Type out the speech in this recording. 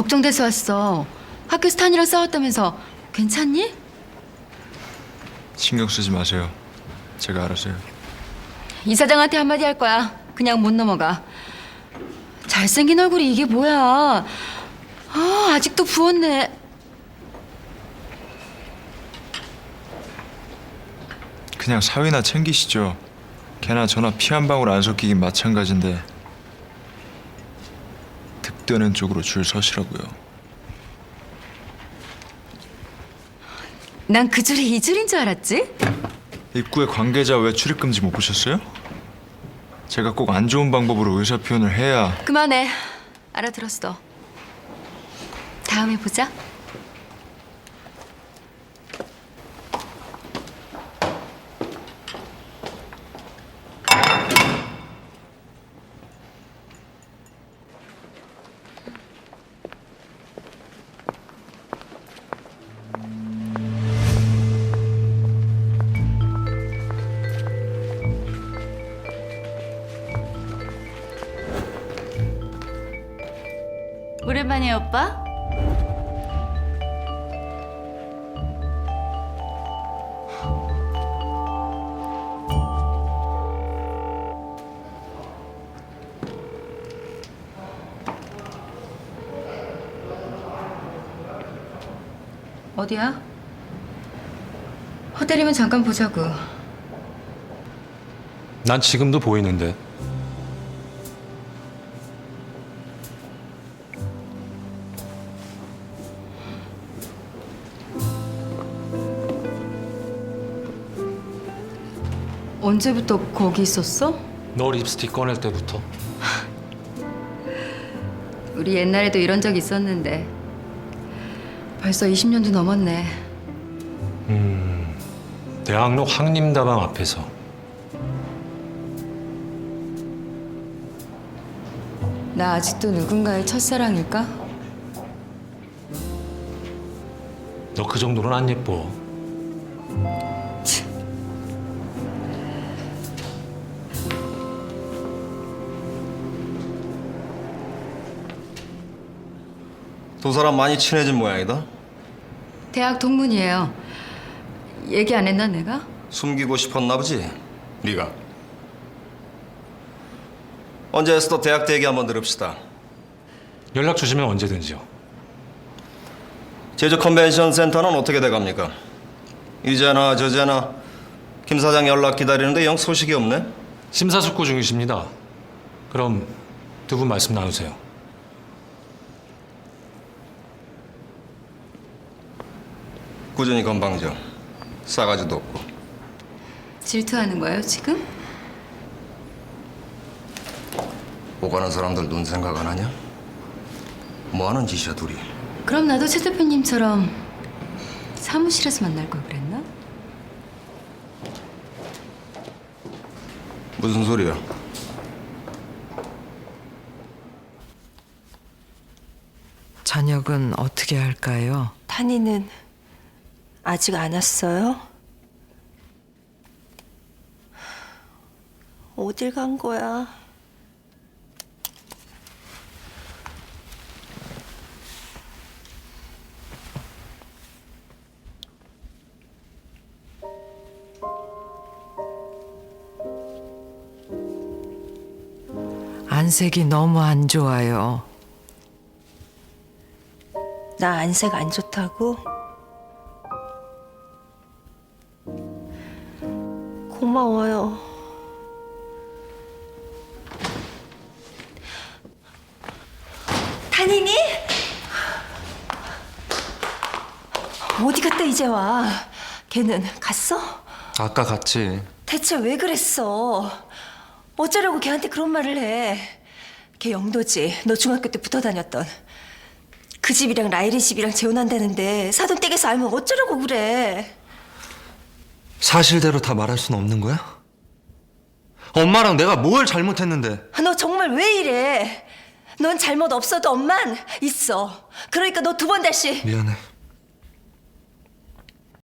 걱정돼서 왔어. 학교에서 탄이랑 싸웠다면서. 괜찮니? 신경 쓰지 마세요. 제가 알아서 해요. 이사장한테 한마디 할 거야. 그냥 못 넘어가. 잘생긴 얼굴이 이게 뭐야. 아직도 부었네. 그냥 사위나 챙기시죠. 걔나 저나 피 한 방울 안 섞이긴 마찬가지인데 득되는 쪽으로 줄 서시라고요. 난 그 줄이 이 줄인 줄 알았지? 입구에 관계자 왜 출입금지 못 보셨어요? 제가 꼭 안 좋은 방법으로 의사 표현을 해야. 그만해. 알아들었어. 다음에 보자. 오랜만이에요, 오빠. 어디야? 호텔이면 잠깐 보자고. 난 지금도 보이는데. 언제부터 거기 있었어? 너 립스틱 꺼낼 때부터. 우리 옛날에도 이런 적 있었는데 벌써 20년도 넘었네. 대학로 황림다방 앞에서. 나 아직도 누군가의 첫사랑일까? 너 그 정도는 안 예뻐. 두 사람 많이 친해진 모양이다. 대학 동문이에요. 얘기 안 했나 내가? 숨기고 싶었나 보지, 네가. 언제 했어도 대학 때 얘기 한번 들읍시다. 연락 주시면 언제든지요. 제주 컨벤션 센터는 어떻게 돼갑니까? 이제나 저제나 김 사장 연락 기다리는데 영 소식이 없네. 심사숙고 중이십니다. 그럼 두 분 말씀 나누세요. 꾸준히 건방져. 싸가지도 없고. 질투하는 거예요 지금? 오가는 사람들 눈 생각 안 하냐? 뭐 하는 짓이야 둘이? 그럼 나도 최 대표님처럼 사무실에서 만날 걸 그랬나? 무슨 소리야? 저녁은 어떻게 할까요? 탄이는 아직 안 왔어요? 어딜 간 거야? 안색이 너무 안 좋아요. 나 안색 안 좋다고? 고마워요. 탄이니? 어디 갔다 이제 와? 걔는 갔어? 아까 갔지. 대체 왜 그랬어? 어쩌려고 걔한테 그런 말을 해? 걔 영도지. 너 중학교 때 붙어 다녔던. 그 집이랑 라일이 집이랑 재혼한다는데 사돈 댁에서 알면 어쩌려고 그래? 사실대로 다 말할 수는 없는 거야? 엄마랑 내가 뭘 잘못했는데? 너 정말 왜 이래? 넌 잘못 없어도 엄만 있어. 그러니까 너 두 번 다시. 미안해.